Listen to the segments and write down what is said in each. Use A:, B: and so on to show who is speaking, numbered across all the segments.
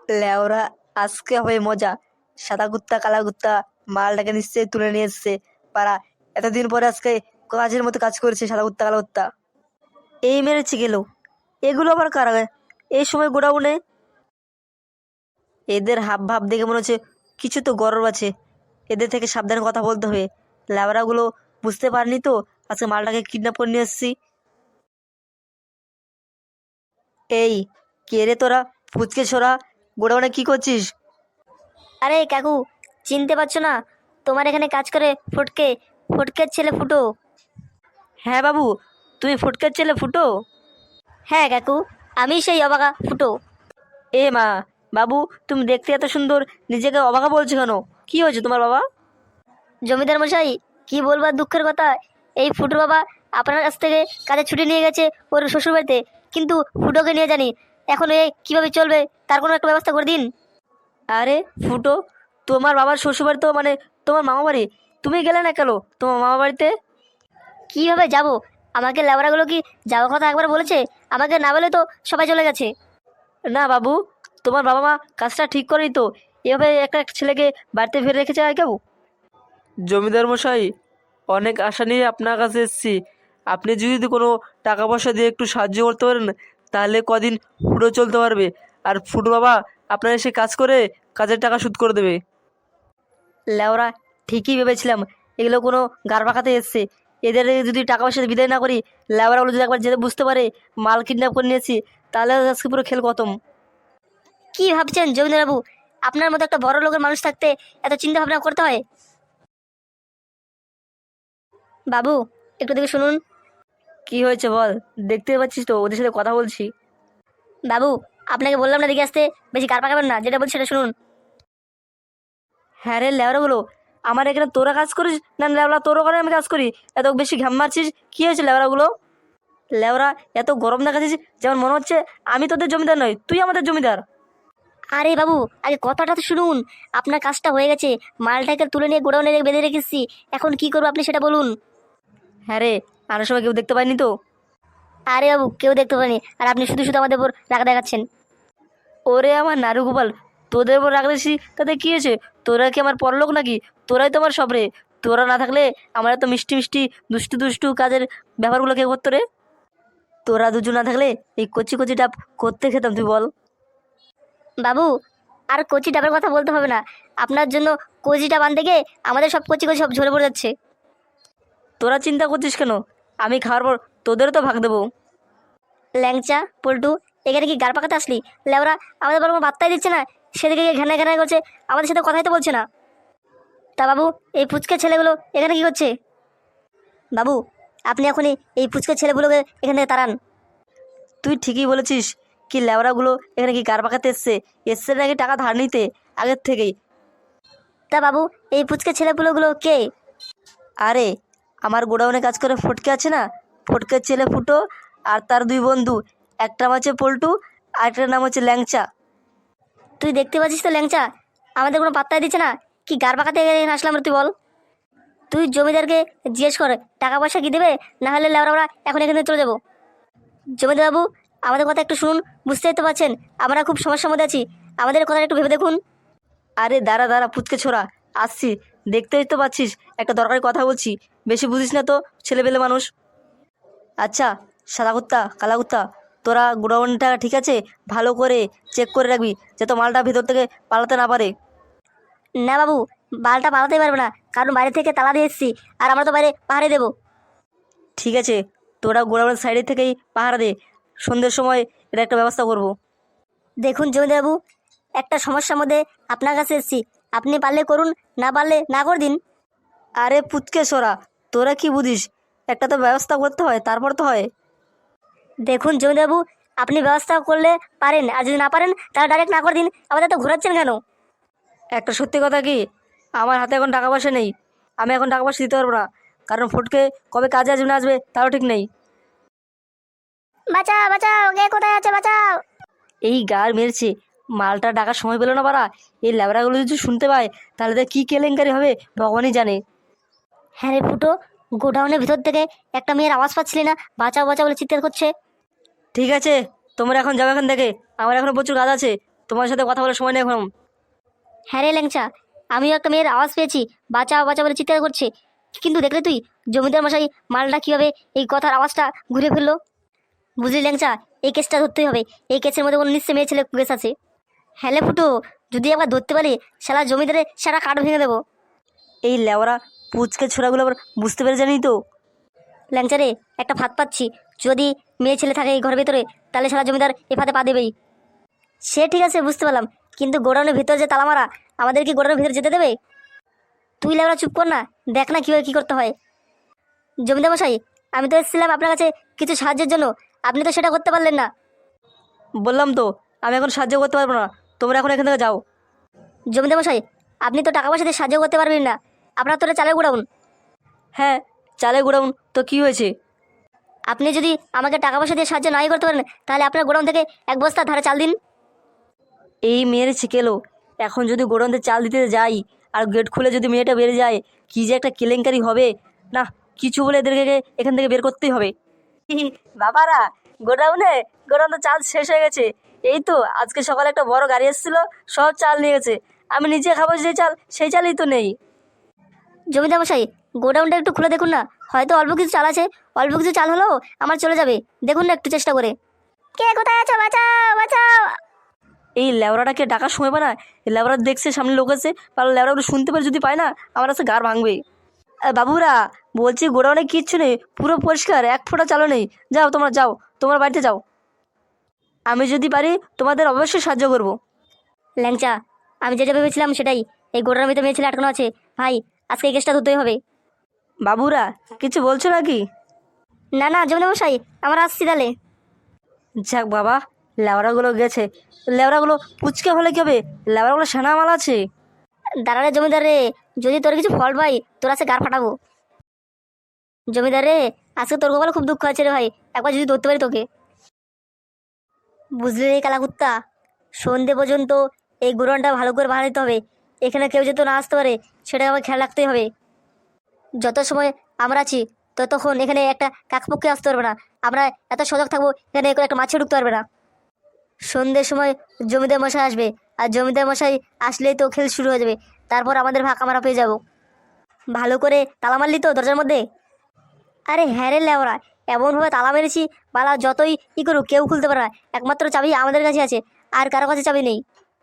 A: লেওরা, আজকে হবে মজা। সাদা কুত্তা কালা কুত্তা মালটাকে নিশ্চয়ই তুলে নিয়ে এসছে পাড়া। এতদিন পরে আজকে কাজের মতো কাজ করেছে সাদা কুত্তা কালা কুত্তা। এই মেরেছে গেল। এগুলো আবার কারা? এই সময় গোডাউনে এদের হাব ভাব দেখে মনে হচ্ছে কিছু তো গরব আছে। এদের থেকে সাবধানে কথা বলতে হবে। ল্যাবড়াগুলো বুঝতে পারেনি তো আজকে মালটাকে কিডন্যাপ করে নিয়ে এসছি। এই, কে রে তোরা? ফুচকে ছোড়া, গোডাউনে কি করছিস?
B: আরে কাকু, চিনতে পারছো না? তোমার এখানে কাজ করে ফটকে, ফটকের ছেলে ফুটো।
A: হ্যাঁ বাবু, তুমি ফুটকার ছেলে ফুটো?
B: হ্যাঁ কাকু, আমি সেই অবাগা ফুটো।
A: এ মা! বাবু, তুমি দেখতে এত সুন্দর, নিজেকে অবাকা বলছো কেন? কি হয়েছে তোমার বাবা?
B: জমিদার মশাই, কি বলবার দুঃখের কথা। এই ফুটোর বাবা আপনার কাছ থেকে কাজে ছুটি নিয়ে গেছে ওর শ্বশুর বাড়িতে, কিন্তু ফুটোকে নিয়ে জানি। এখন এ কিভাবে চলবে, তার কোনো একটা ব্যবস্থা করে দিন।
A: আরে ফুটো, তোমার বাবার শ্বশুরবাড়ি তো মানে তোমার মামা বাড়ি। তুমি গেলে না কেন তোমার মামা বাড়িতে?
B: কিভাবে যাব? আমাকে লেবরাগুলো কি যাওয়ার কথা একবার বলেছে? আমাকে না বলে তো সবাই চলে গেছে।
A: না বাবু, তোমার বাবা মা কাজটা ঠিক করেই তো এভাবে একটা ছেলেকে বাড়িতে ফিরে রেখেছে আর কেউ? জমিদার মশাই, অনেক আশা নিয়ে আপনার কাছে এসেছি। আপনি যদি কোনো টাকা পয়সা দিয়ে একটু সাহায্য করতে পারেন, তাহলে কদিন ফুটো চলতে পারবে। আর ফুটো বাবা আপনার এসে কাজ করে কাজের টাকা শোধ করে দেবে। লেওরা, ঠিকই ভেবেছিলাম এগুলো কোনো গার পাকাতে এসছে। এদের যদি টাকা পয়সা বিদায় না করি, লেওরাগুলো যদি একবার যেতে বুঝতে পারে মাল কিডন্যাপ করে নিয়েছি, তাহলে আজকে পুরো খেল খতম।
B: কি ভাবছেন জমিদার বাবু? আপনার মতো একটা বড় লোকের মানুষ থাকতে এত চিন্তা ভাবনা করতে হয়? বাবু, একটু দেখে শুনুন।
A: কি হয়েছে বল? দেখতে পাচ্ছিস তো ওদের সাথে কথা বলছি।
B: বাবু, আপনাকে বললাম না দিকে আসতে, বেশি কার পাকাবেন না, যেটা বলছি সেটা শুনুন।
A: হ্যাঁ রে লেওরাগুলো, আমার এখানে তোরা কাজ করিস না লেওরা তোরও করে আমি কাজ করি? এত বেশি ঘাম মারছিস, কি হয়েছে লেওরাগুলো? লেওরা, এত গরম দেখাচ্ছিস যেমন মনে হচ্ছে আমি তোদের জমিদার নই, তুই আমাদের জমিদার।
B: আরে বাবু, আগে কথাটা তো শুনুন। আপনার কাজটা হয়ে গেছে, মালটাকে তুলে নিয়ে গোডাউনে বেঁধে রেখেছি। এখন কি করবো আপনি সেটা বলুন।
A: হ্যাঁ রে, আনার সময় কেউ দেখতে পায়নি তো?
B: আরে বাবু, কেউ দেখতে পারেনি, আর আপনি শুধু শুধু আমাদের উপর রাগ দেখাচ্ছেন।
A: ওরে আমার নারু গোপাল, তোদের উপর রাগ দিয়েছি তাতে কি হয়েছে? তোরা কি আমার পরলোক নাকি? তোরাই তো আমার সব রে। তোরা না থাকলে আমার এত মিষ্টি মিষ্টি দুষ্টু দুষ্টু কাজের ব্যাপারগুলো কে করতো রে? তোরা দুজন না থাকলে এই কচি কচি ডাব করতে খেতাম, তুই বল?
B: বাবু, আর কচি ডাবের কথা বলতে হবে না। আপনার জন্য কচি ডাব আনতে গিয়ে আমাদের সব কচি কচি সব ঝরে পড়ে যাচ্ছে।
A: তোরা চিন্তা করছিস কেন? আমি খাওয়ার পর তোদেরও তো ভাগ দেবো।
B: ল্যাংচা পল্টু, এখানে কি গার পাকাতে আসলি? লেওরা, আমাদের বরং বার্তাই দিচ্ছে না, সেদিকে গিয়ে ঘ্যানা ঘ্যানা করছে, আমাদের সাথে কথাই তো বলছে না। তা বাবু, এই ফুচকে ছেলেগুলো এখানে কি করছে? বাবু, আপনি এখনই এই ফুচকে ছেলেগুলোকে এখান থেকে তাড়ান।
A: তুই ঠিকই বলেছিস। কি ল্যাবড়াগুলো এখানে কি গার পাকাতে এসছে? এসছে নাকি টাকা ধার নিতে আগের থেকেই?
B: তা বাবু, এই ফুচকে ছেলেগুলো কে?
A: আরে, আমার গোডাউনে কাজ করে ফটকে আছে না, ফটকের ছেলে ফুটো আর তার দুই বন্ধু। একটা নাম হচ্ছে পল্টু, আর একটার নাম হচ্ছে ল্যাংচা।
B: তুই দেখতে পাচ্ছিস তো ল্যাংচা, আমাদের কোনো পাত্তাই দিচ্ছে না। কি গার পাকাতে এখানে আসলাম রে তুই বল? তুই জমিদারকে জিজ্ঞেস কর টাকা পয়সা কি দেবে, না হলে লেওরা আমরা এখন এখানে চলে যাবো। জমিদার বাবু, আমাদের কথা একটু শুনুন। বুঝতেই তো পারছেন আমরা খুব সমস্যার মধ্যে আছি, আমাদের কথা একটু ভেবে দেখুন।
A: আরে দাঁড়া দাঁড়া পুচকে ছোড়া, আসছি। দেখতেই তো পাচ্ছিস একটা দরকারি কথা বলছি, বেশি বুঝিস না তো, ছেলেবেলে মানুষ। আচ্ছা, সাদা কুত্তা কালা কুত্তা, তোরা গোডাউনটা ঠিক আছে ভালো করে চেক করে রাখবি, যাতে মালটা ভিতর থেকে পালাতে না পারে।
B: না বাবু, বালটা পালাতেই পারবে না, কারণ বাইরে থেকে তালা দিয়ে এসেছি, আর আমরা তো বাইরে পাহাড়ে দেবো।
A: ঠিক আছে, তোরা গোডাউনের সাইডে থেকেই পাহারা দে। সন্ধ্যের সময় এটা একটা ব্যবস্থা করব।
B: দেখুন জমিদার বাবু, একটা সমস্যার মধ্যে আপনার কাছে এসেছি, আপনি পারলে করুন, না পারলে না করে দিন।
A: আরে পুচকে সোরা, তোরা কি বুঝিস? একটা তো ব্যবস্থা করতে হয়, তারপর তো হয়।
B: দেখুন জমিদার বাবু, আপনি ব্যবস্থা করলে পারেন, আর যদি না পারেন তাহলে ডাইরেক্ট না করে দিন। আমাদের তো ঘোরাচ্ছেন কেন?
A: একটা সত্যি কথা কি, আমার হাতে এখন টাকা পয়সা নেই। আমি এখন টাকা পয়সা দিতে পারবো না, কারণ ফুটকে কবে কাজে আসবে না আসবে তারও ঠিক নেই।
B: বাঁচাও বাঁচাও, কে কোথায় আছে, বাঁচাও।
A: এই গার মেরেছে, মালটা ডাকার সময় পেলো না পারা। এই ল্যাবড়াগুলো যদি শুনতে পায় তাহলে তো কী কেলেঙ্কারি হবে ভগবানই জানে।
B: হ্যাঁ রে ফুটো, গোডাউনের ভিতর থেকে একটা মেয়ের আওয়াজ পাচ্ছিলি না? বাঁচাও বাঁচাও বলে চিৎকার করছে।
A: ঠিক আছে, তোমরা এখন যাবে এখান থেকে, আমার এখনো প্রচুর কাজ আছে। তোমার সাথে কথা বলার সময় নেই এখন।
B: হ্যাঁ রে ল্যাংচা, আমিও একটা মেয়ের আওয়াজ পেয়েছি, বাঁচাও বাঁচা বলে চিৎকার করছে। কিন্তু দেখলে তুই জমিদার মশাই মালটা কিভাবে এই কথার আওয়াজটা ঘুরে ফেললো? বুঝলি ল্যাংচা, এই কেসটা ধরতেই হবে। এই কেসের মধ্যে কোনো নিশ্চয় মেয়ে ছেলে কেস আছে। হ্যালে ফুটো, যদি একবার ধরতে পারি শালা জমিদারে সারা কাঠ ভেঙে দেবো।
A: এই লেওরা পুচকে ছোড়াগুলো আবার বুঝতে পেরে জানি তো।
B: ল্যাংচা রে, একটা ফাঁদ পাচ্ছি। যদি মেয়ে ছেলে থাকে এই ঘরের ভিতরে, তাহলে সারা জমিদার এ ফাঁদে পা দেবেই। সে ঠিক আছে, বুঝতে পারলাম, কিন্তু গোডাউনের ভিতর যে তালা মারা, আমাদের কি গোডাউনের ভিতরে যেতে দেবে? তুই লেবরা চুপ কর না, দেখ না কীভাবে কী করতে হয়। জমিদার মশাই, আমি তো এসেছিলাম আপনার কাছে কিছু সাহায্যের জন্য, আপনি তো সেটা করতে পারলেন না।
A: বললাম তো আমি এখন সাহায্য করতে পারবো না, তোমরা এখন এখান থেকে যাও।
B: জমিদার মশাই, আপনি তো টাকা পয়সা দিয়ে সাহায্য করতে পারবেন না, আপনার তো এটা চালের গোডাউন।
A: হ্যাঁ, চালে গোডাউন তো কি হয়েছে?
B: আপনি যদি আমাকে টাকা পয়সা দিয়ে সাহায্য নাই করতে পারেন, তাহলে আপনার গোডাউন থেকে এক বস্তা ধারে চাল দিন।
A: এই মেয়ের ছিকেলো, এখন যদি গোডাউনতে চাল দিতে যাই আর গেট খুলে যদি মেয়েটা বেরিয়ে যায়, কি যে একটা কেলেঙ্কারি হবে না। কিছু বলে এদেরকে এখান থেকে বের করতেই হবে। বাবারা, গোডাউনে চাল শেষ হয়ে গেছে। এই তো আজকে সকালে একটা বড় গাড়ি এসেছিল, সব চাল নিয়ে গেছে। আমি নিজে খাবো যে চাল, সেই চালই তো নেই।
B: জমিদার মশাই, গোডাউনটা একটু খুলে দেখুন না, হয়তো অল্প কিছু চাল আছে। অল্প কিছু চাল হলেও আমার চলে যাবে, দেখুন না একটু চেষ্টা করে। কে কোথায় আছো, বাঁচাও বাঁচাও।
A: এই লেবরাটাকে ডাকার সময় পায় না। এই লেবরা দেখছে সামনে লোক আছে, তাহলে লেবরাগুলো শুনতে পারে, যদি পায় না আমার কাছে গাড় ভাঙবে। বাবুরা, বলছি গোডাউনে কিচ্ছু নেই, পুরো পরিষ্কার, এক ফোঁটা চালও নেই। যাও তোমরা, যাও তোমার বাড়িতে যাও। আমি যদি পারি তোমাদের অবশ্যই সাহায্য করব।
B: ল্যাংচা, আমি যেটা ভেবেছিলাম সেটাই। এই গোডাউনের ভিতরে মেয়ে ছেলে আটকানো আছে। ভাই, আজকে এই কেসটা ধরতেই হবে।
A: বাবুরা, কিছু বলছো নাকি?
B: না না জমিদার মশাই, আমরা আসছি তাহলে।
A: যাক বাবা, লেবরাগুলো গেছে। লেবরাগুলো পুচকে হলে কি হবে, লেবরাগুলো সেনা মাল আছে।
B: দাঁড়ারে জমিদার রে, যদি তোর কিছু ফল পাই তোর আছে গার ফাটাবো। জমিদার রে, আজকে তোর কপালে খুব দুঃখ আছে রে ভাই, একবার যদি ধরতে পারি তোকে। বুঝলি রে কালাকুত্তা, সন্ধে পর্যন্ত এই গোডাউনটা ভালো করে ভাড়া দিতে হবে। এখানে কেউ যেন না আসতে পারে, সেটা আমার খেয়াল রাখতেই হবে। যত সময় আমরা আছি ততক্ষণ এখানে একটা কাকপক্ষে আসতে পারবে না। আমরা এত সজাগ থাকবো, এখানে একটা মাছি ঢুকতে পারবে না। সন্ধ্যের সময় জমিদার মশাই আসবে, আর জমিদার মশাই আসলেই তো খেল শুরু হয়ে যাবে। তারপর আমাদের ভাগ আমরা পেয়ে যাব। ভালো করে তালা মারলি তো দরজার মধ্যে? আরে হ্যাঁ রে লেওরা, এমনভাবে তালা মেরেছি, বালা যতই ই করুক কেউ খুলতে পারে না। একমাত্র চাবি আমাদের কাছে আছে, আর কারো কাছে চাবি নেই।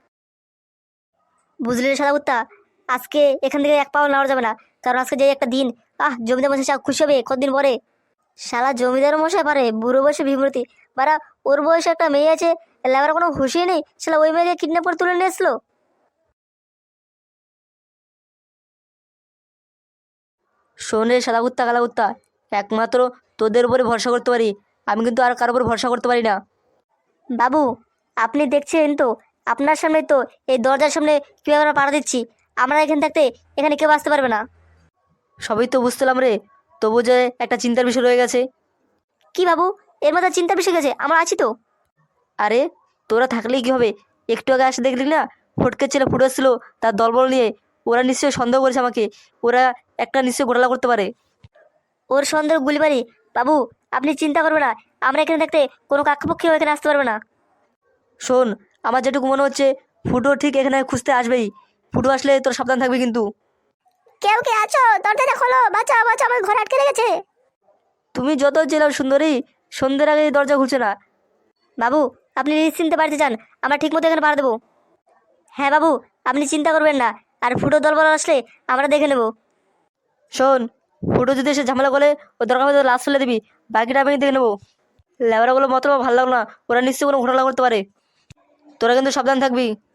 B: বুঝলি রে সাদা কুত্তা, আজকে এখান থেকে এক পাও নেওয়া যাবে না, কারণ আজকে যে একটা দিন। জমিদার মশাই খুশি হবে কতদিন পরে। শালা জমিদার মশাই পারে বুড়ো বয়সে বিমূর্তি, বারা ওর বয়সে একটা মেয়ে আছে, লেবার কোনো হুঁশিয়ে নেই, শালা ওই মেয়েকে কিডন্যাপ করে তুলে নিয়ে এসলো।
A: শোন রে সাদা কুত্তা কালা কুত্তা, একমাত্র তোদের উপরে ভরসা করতে পারি, আমি কিন্তু আর কারোর উপর ভরসা করতে পারি না।
B: বাবু, আপনি দেখছেন তো, আপনার সামনে তো এই দরজার সামনে কীভাবে আমরা পাড়া দিচ্ছি। আমরা এখানে থাকতে এখানে কেউ আসতে পারবে না।
A: সবই তো বুঝতেলাম রে, তবু যে একটা চিন্তার বিষয় রয়ে গেছে।
B: কি বাবু, এর মধ্যে চিন্তা বেশি গেছে, আমরা আছি তো।
A: আরে তোরা থাকলেই কি হবে, একটু আগে আসে দেখলি না, ফটকে ছেলে ফুটে এসেছিলো তার দলবল নিয়ে। ওরা নিশ্চয়ই সন্দেহ করেছে আমাকে, ওরা একটা নিশ্চয়ই ঘোটালা করতে পারে।
B: ওর সন্দেহ গুলিবাড়ি। বাবু, আপনি চিন্তা করবেন না, আমরা এখানে থাকতে কোনো কাকপক্ষেও এখানে আসতে পারবে না।
A: শোন, আমার যেটুকু মনে হচ্ছে ফুটো ঠিক এখানে খুঁজতে আসবেই। ফুটো আসলে তোর সাবধান থাকবি কিন্তু।
B: কেউ কে আছো, দরজাটা খোলো, বাঁচাও বাঁচাও, আমার ঘর আটকে রেখেছে।
A: তুমি যত জেলার সুন্দরী, সন্ধ্যের আগে এই দরজা খুলছে না।
B: বাবু, আপনি নিশ্চিন্তে বাড়িতে যান, আমরা ঠিক মতো এখানে পাড়া দেবো। হ্যাঁ বাবু, আপনি চিন্তা করবেন না, আর ফুটো দলবল আসলে আমরা দেখে নেব।
A: শোন, ফুটো যদি এসে ঝামেলা করে ও দরকার হলে লাশ ফেলে দিবি, বাকিটা আমি দেখে নেবো। লেবরাগুলো মতো ভালো লাগলো না, ওরা নিশ্চয়ই কোনো ঘোটালা করতে পারে, তোরা কিন্তু সাবধান থাকবি।